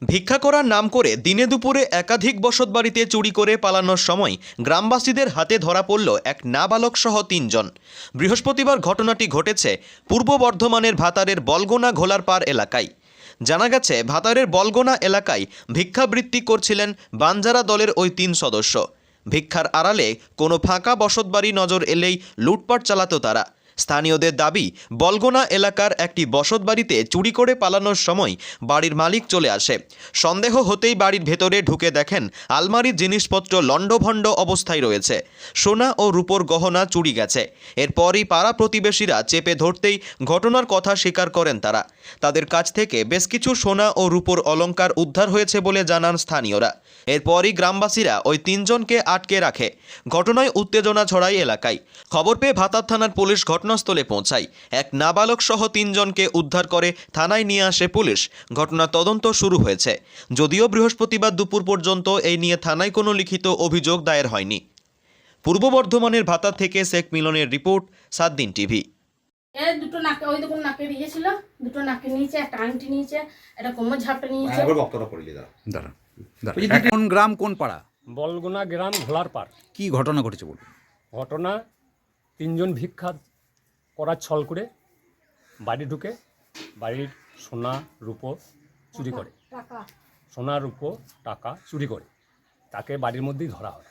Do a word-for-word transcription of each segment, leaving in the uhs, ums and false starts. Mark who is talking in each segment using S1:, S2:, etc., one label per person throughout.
S1: ভিক্ষা করার নাম করে দিনে দুপুরে একাধিক বসতবাড়িতে চুরি করে পালানোর সময় গ্রামবাসীদের হাতে ধরা পড়ল এক নাবালক সহ তিনজন। বৃহস্পতিবার ঘটনাটি ঘটেছে পূর্ব বর্ধমানের ভাতারের বলগোনা ঘোলারপাড় এলাকায়। জানা গেছে, ভাতারের বলগোনা এলাকায় ভিক্ষাবৃত্তি করছিলেন বাঞ্জারা দলের ওই তিন সদস্য। ভিক্ষার আড়ালে কোনো ফাঁকা বসতবাড়ি নজর এলেই লুটপাট চালাতো তারা। স্থানীয়দের দাবি, বলগোনা এলাকার একটি বসতবাড়িতে চুরি করে পালানোর সময় বাড়ির মালিক চলে আসে। সন্দেহ হতেই বাড়ির ভেতরে ঢুকে দেখেন আলমারির জিনিসপত্র লণ্ডভণ্ড অবস্থায় রয়েছে। সোনা ও রূপোর গহনা চুরি গেছে। এরপরই পাড়া প্রতিবেশীরা চেপে ধরতেই ঘটনার কথা স্বীকার করেন তারা। তাদের কাছ থেকে বেশ কিছু সোনা ও রূপোর অলংকার উদ্ধার হয়েছে বলে জানান স্থানীয়রা। এরপরই গ্রামবাসীরা ওই তিনজনকে আটকে রাখে। ঘটনায় উত্তেজনা ছড়ায় এলাকায়। খবর পেয়ে ভাতার থানার পুলিশ ঘটনাস্থলে পৌঁছায়। এক নাবালক সহ তিনজনকে উদ্ধার করে থানায় নিয়ে আসে পুলিশ। ঘটনা তদন্ত শুরু হয়েছে। যদিও বৃহস্পতিবার দুপুর পর্যন্ত এই নিয়ে থানায় কোনো লিখিত অভিযোগ দায়ের হয়নি। পূর্ব বর্ধমানের ভাতার থেকে শেখ মিলনের রিপোর্ট, সাত দিন টিভি।
S2: এই দুটো নাকে ওই দেখুন নাকে দিয়েছিল, দুটো নাকে নিয়েছে, একটা আংটি নিয়েছে, একটা কোমর ঝাপটা নিয়েছে।
S3: দাঁড়া দাঁড়া কোন গ্রাম কোন পাড়া?
S4: বলগোনা গ্রাম ঘোলারপাড়।
S3: কি ঘটনা ঘটেছে বলুন?
S4: ঘটনা, তিনজন ভিক্ষা করার ছল করে বাড়ি ঢুকে বাড়ির সোনা রূপো চুরি করে, সোনা রূপো টাকা চুরি করে তাকে বাড়ির মধ্যেই ধরা হয়।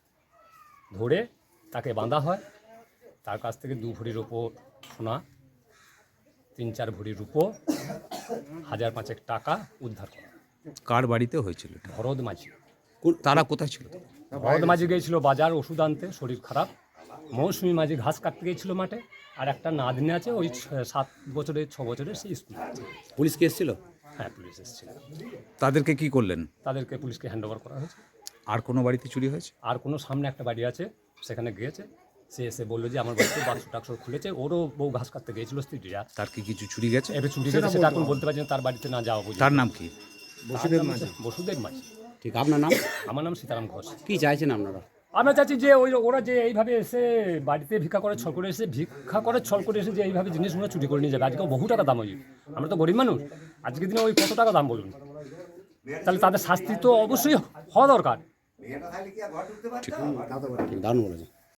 S4: ধরে তাকে বাঁধা হয়। তার কাছ থেকে দু ভরি রূপো সোনা, তিন চার ভরি রূপো, হাজার পাঁচেক টাকা উদ্ধার করা।
S3: কার বাড়িতে হয়েছিল?
S4: ভরদ মাঝি।
S3: তারা কোথায় ছিল?
S4: ভরদ মাঝি গিয়েছিল বাজার ওষুধ আনতে, শরীর খারাপ। মৌসুমি মাঝি ঘাস কাটতে গিয়েছিল মাঠে। আর একটা নাতনি আছে, ওই সাত বছরের ছ বছরের, সেই স্কুল।
S3: পুলিশ কি এসেছিল?
S4: হ্যাঁ, পুলিশ এসেছিল।
S3: তাদেরকে কি করলেন?
S4: তাদেরকে পুলিশকে হ্যান্ড ওভার করা হয়েছে।
S3: আর কোনো বাড়িতে চুরি হয়েছে?
S4: আর কোনো সামনে একটা বাড়ি আছে, সেখানে গিয়েছে। সে এসে বললো যে আমার বাড়িতে বাক্স টাক্স খুলেছে। ওরও বউ ঘাস কাটতে গিয়েছিল, স্ত্রীরা।
S3: তার কি কিছু চুরি গেছে?
S4: এবার চুরি গেছে সেটা এখন বলতে পারছি না, তার বাড়িতে না যাওয়া বুঝি।
S3: তার নাম কি?
S4: বসুদেব মাঝি। বসুদেব মাঝি।
S5: ঠিক, আপনার নাম?
S4: আমার নাম সীতারাম ঘোষ।
S5: কি চাইছেন আপনারা?
S4: আমরা চাচ্ছি যে ওই ওরা যে এইভাবে এসে বাড়িতে ভিক্ষা করে ছল করে এসে ভিক্ষা করে ছল করে এসে যে এইভাবে জিনিসগুলো চুরি করে নিয়ে যাবে। আজকে বহু টাকা দাম ওই, আমরা তো গরিব মানুষ। আজকের দিনে ওই কত টাকা দাম বলুন? তাহলে তাদের শাস্তি তো অবশ্যই হওয়া দরকার।
S5: দারুণ বলেছেন।